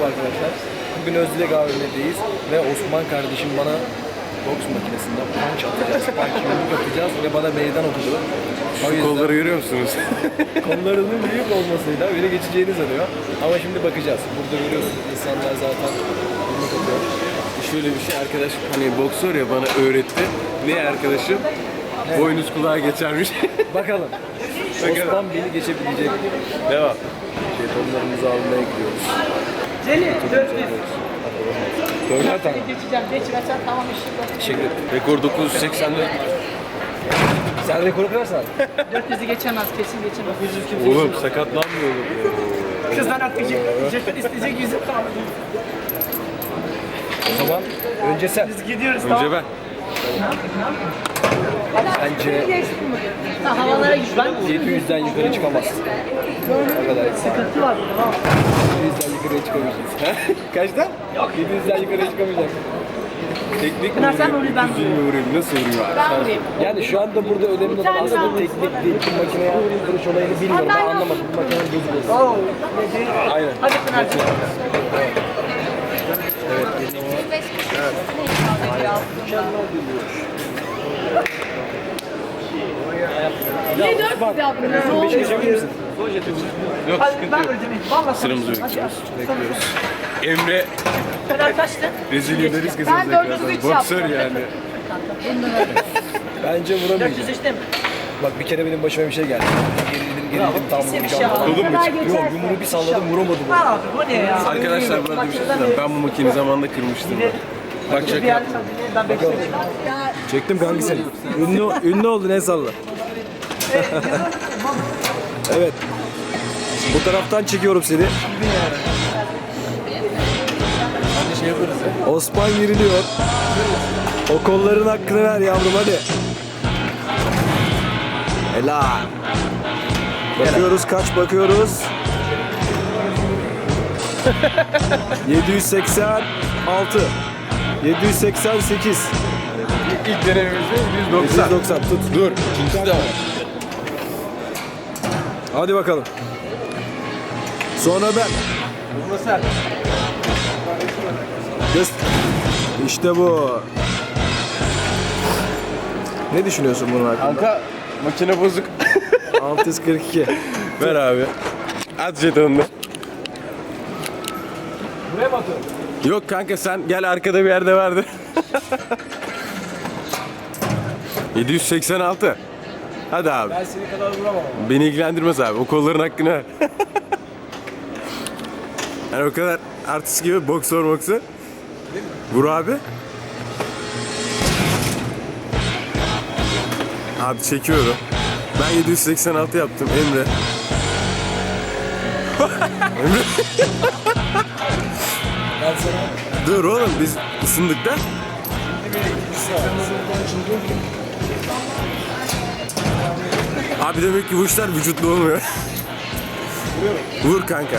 arkadaşlar. Bugün Özdilek AVM'deyiz ve Osman kardeşim bana boks makinesinden punch atacağız, punch yumruk atacağız ve bana meydan okudu. Şu kolları görüyor musunuz? Kollarının büyük olmasıyla beni geçeceğini sanıyor. Ama şimdi bakacağız. Burada görüyorsunuz insanlar zaten yumruk atıyor. Şöyle bir şey, arkadaşım hani boksör ya bana öğretti. Ne arkadaşım? Evet. Boynuz kulağa geçermiş. Bakalım. Osman beni geçebilecek mi? Devam. Jetonlarımızı almaya gidiyoruz. Celi, 400. Dörder tane. Geçeceğim, geçmezsen tamam işte. Teşekkür ederim. Rekor 984. Sen rekoru kırarsan. 400'ü geçemez, kesin geçemez. Oğlum sakatlanmıyor oğlum. Kızdan atlayacak, jeton isteyecek, yüzüm kalmadı. O zaman önce sen. Biz gidiyoruz, Önce tamam. ben. Bence Ha, havalara git ben. 700'den yukarı çıkamazsın. O kadar. Sıkıntı var burada, tamam. 700'den yukarı çıkamayacaksın. Kaçtan? Yok. 700'den yukarı çıkamayacaksın. Teknik Pınar, sen vurayım, ben Düzgün mü vurayım? Nasıl vurayım abi? Ben vurayım. Yani şu anda burada önemli olan aslında teknik değil. Bu makineye vuruş olayını bilmiyorum. Ben anlamadım. Bu makinenin gözü bozuldu. Oo. Aynen. Hadi Pınar'cığım. Ne 400 yaptın? Bir şey geçebilir misin? Yok Hadi sıkıntı ben yok. vuracağım. Vallahi Sıramızı bekliyoruz. Emre Pınar kaçtı? rezil ederiz kızımızı ekrandan. Boksör yani. Bence vuramayacağım. 403'te mi? Bak bir kere benim başıma bir şey geldi. Gerildim tam Bir şey vuracağım. var. Kolum mu çıktı? Yok yumruğu bir salladım vuramadım. Abi bu ne ya? Arkadaşlar bu arada bir şey söyleyeyim. Ben bu makineyi zamanında kırmıştım. Bak Bir şaka yer yaptım. ben bekliyorum. Çektim kanki seni. Ünlü oldun en salla. Evet. Bu taraftan çekiyorum seni. Osman giriliyor. O kolların hakkını ver yavrum hadi. Helal. Bakıyoruz kaç bakıyoruz. 786 788 İlk denememizde 190. 190 tut. Dur. İkincisi de var. Hadi bakalım. Sonra ben. Bunu sen. İşte bu. Ne düşünüyorsun bunun hakkında? Kanka makine bozuk. 642. Ver abi. At jetonunu. Buraya mı atıyorsun? Yok kanka sen gel arkada bir yerde vardı. 786. Hadi abi. Ben seni kadar vuramam ama. Beni ilgilendirmez abi. O kolların hakkını ver. Yani o kadar artist gibi boksör. Vur abi. Abi çekiyorum. Ben 786 yaptım Emre. Emre. Ben sana Dur oğlum biz ısındık da. Abi demek ki bu işler vücutlu olmuyor. Vur kanka.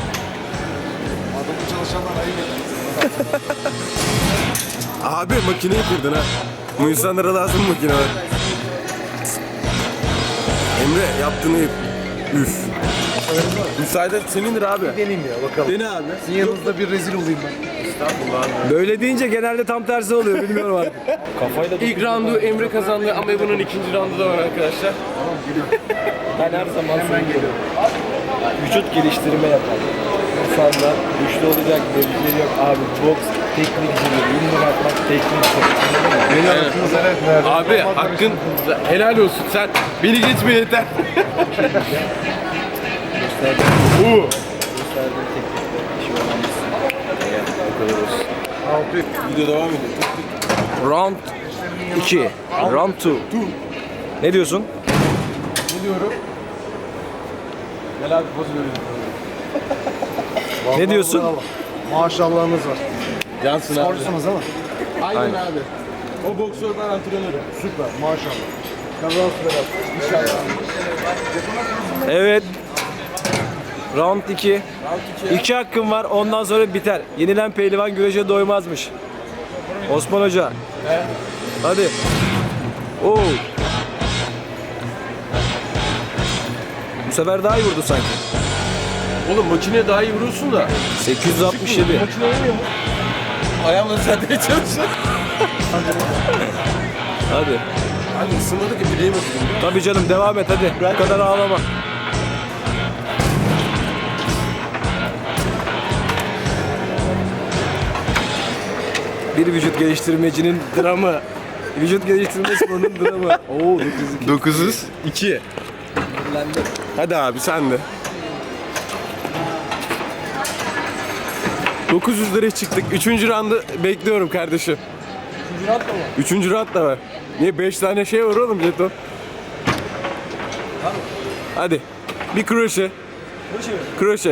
Abi makineyi kırdın ha. Bu insanlara lazım makine var. Emre yaptığını yap. Üf. Müsaade senindir abi. deneyim ya bakalım. Dene abi. Sizin yanınızda bir rezil olayım ben. Estağfurullah abi. Böyle deyince genelde tam tersi oluyor bilmiyorum artık. Kafayla İlk roundu Emre kazandı ama bunun ikinci roundu da var arkadaşlar. ben her zaman söylüyorum. Vücut geliştirme yapar. İnsanlar güçlü olacak, belirleri yok. Abi boks teknik işidir. Yumruk atmak tekniktir. Beni Evet. hakkınızı verdim. Abi hakkın helal olsun sen beni geçme yeter. Gösterdiğim teknikte işi öğrenmişsin. Bu kadar olsun. Video devam ediyor. Round 2. Round 2. Ne diyorsun? Ne diyorum? Gel abi poz verelim. Ne diyorsun? Maşallahınız var. Cansın abi. Sporcusunuz ama. Aynen abi. O boksör ben antrenörüm. Süper maşallah. Kazası belasın. İnşallah. Evet. Round 2. 2 hakkım var. Ondan sonra biter. Yenilen pehlivan güreşe doymazmış. Osman Hoca. Hadi. Oo. Bu sefer daha iyi vurdu sanki. Oğlum makineye daha iyi vuruyorsun da. 867. Makine oynuyor mu? Ayağımla düzeltmeye çalışıyorum. Hadi. Hadi ısınmadı ki bileğim acıdı. Tabii canım devam et hadi. Bu kadar ağlama. Bir vücut geliştirmecinin dramı. Vücut geliştirme sporunun dramı. Oo 900. 2. Hadi abi sen de. 900 liraya çıktık. 3. roundu bekliyorum kardeşim. 3. round da var. 3. round da var. Niye 5 tane şey var oğlum jeton? Hadi. Bir kroşe. Kroşe.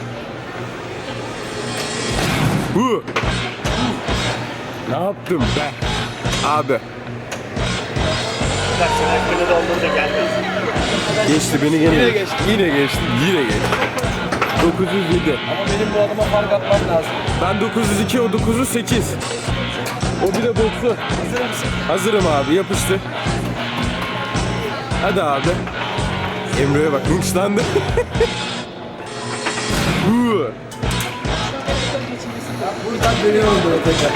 Hu. Ne yaptım be? Abi. Geçti beni gene. Yine geçti. Yine geçti. Yine geçti. 907. Ama benim bu adama fark atmam lazım. Ben 902, o 908. O bir de 90. Hazır mısın? Hazırım abi, yapıştı. Hadi abi. Emre'ye bak, hınçlandı. Huu. Buradan dönüyorum böyle tekrar.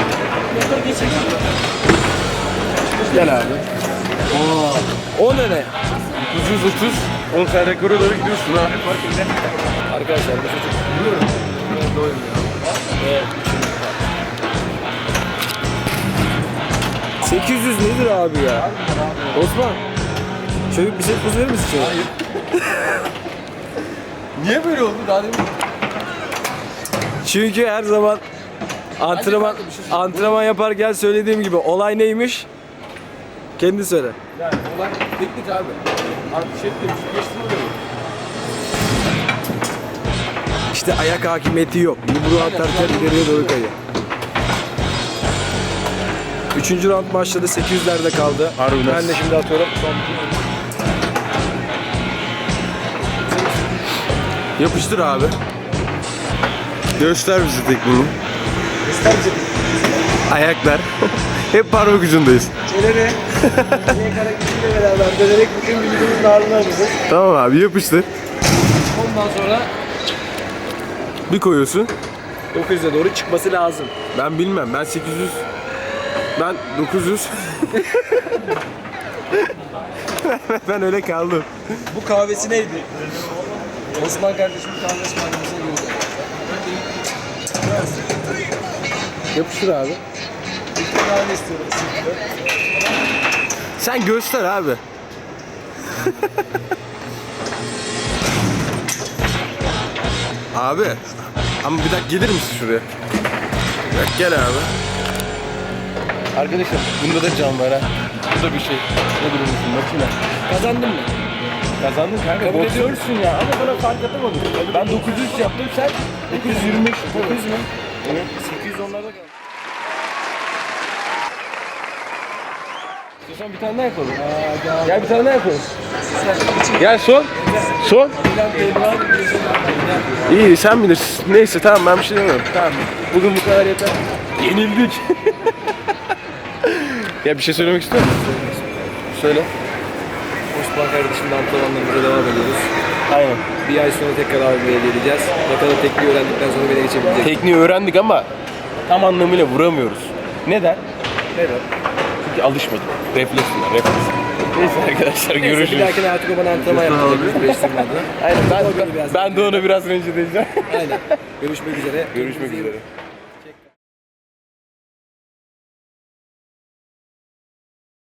Gel abi. O ne ne? 930. 10 tane rekora doğru gidiyorsun ha. Arkadaşlar bu çocuk biliyorum. Doymuyor. Ve 800 nedir abi ya? Osman. Şöyle bir şey poz verir misin şöyle? Hayır. Niye böyle oldu daha demin? Çünkü her zaman antrenman yaparken söylediğim gibi olay neymiş? Kendi söyle. Yani olay teknik abi. Artık şey demiş, geçtim İşte ayak hakimiyeti yok. Yumruğu atarken ileriye doğru kayıyor. 3. round başladı. 800'lerde kaldı. Harbiden. Ben de şimdi atıyorum. Yapıştır abi. Göster bize tekniğini. İster misin? Ayaklar. Hep parmak ucundayız. Çeneni niye hareketiyle beraber dönerek bütün vücudumuzun ağrını alacağız. Tamam abi, yapıştır. Ondan sonra Bir koyuyorsun. 900'e doğru çıkması lazım. Ben bilmem. Ben 800. Ben 900. Ben öyle kaldım. Bu kahvesi neydi? Osman kardeşimin kahvesi maddesine girdi. Yapıştır abi. Bir kahve istiyorum. Sen göster abi. Abi. Ama bir dakika gelir misin şuraya? Bir dakika, gel abi. Arkadaşlar bunda da can var ha. Bu da bir şey. Ne durumdasın makine? Kazandın mı? Kazandın kanka. Kabul boksör. ediyorsun ya ama bana fark atamadım. Ben 900 yaptım, sen 925. 900 mü? Evet. 800 onlarda kaldı. İstiyorsan bir tane daha yapalım. Gel bir tane daha yapalım. Gel son. Son. İyi sen bilirsin. Neyse tamam, ben bir şey demiyorum. Tamam. Bugün bu kadar yeter. Yenildik. Ya bir şey söylemek istiyor musun? Söyle. Osman kardeşimle antrenmanlarımıza devam ediyoruz. Aynen. Bir ay sonra tekrar AVM'ye geleceğiz. Ne kadar tekniği öğrendikten sonra beni geçebilecek. Tekniği öğrendik ama tam anlamıyla vuramıyoruz. Neden? Neden? Çünkü alışmadık. Refleks bunlar, refleks. Neyse arkadaşlar, Bir görüşürüz. dahakine artık o bana antrenman yapacak. Biz değiştirme adına. Aynen, O beni biraz- ben de onu biraz rencide edeceğim. Aynen. Görüşmek üzere. Görüşmek üzere.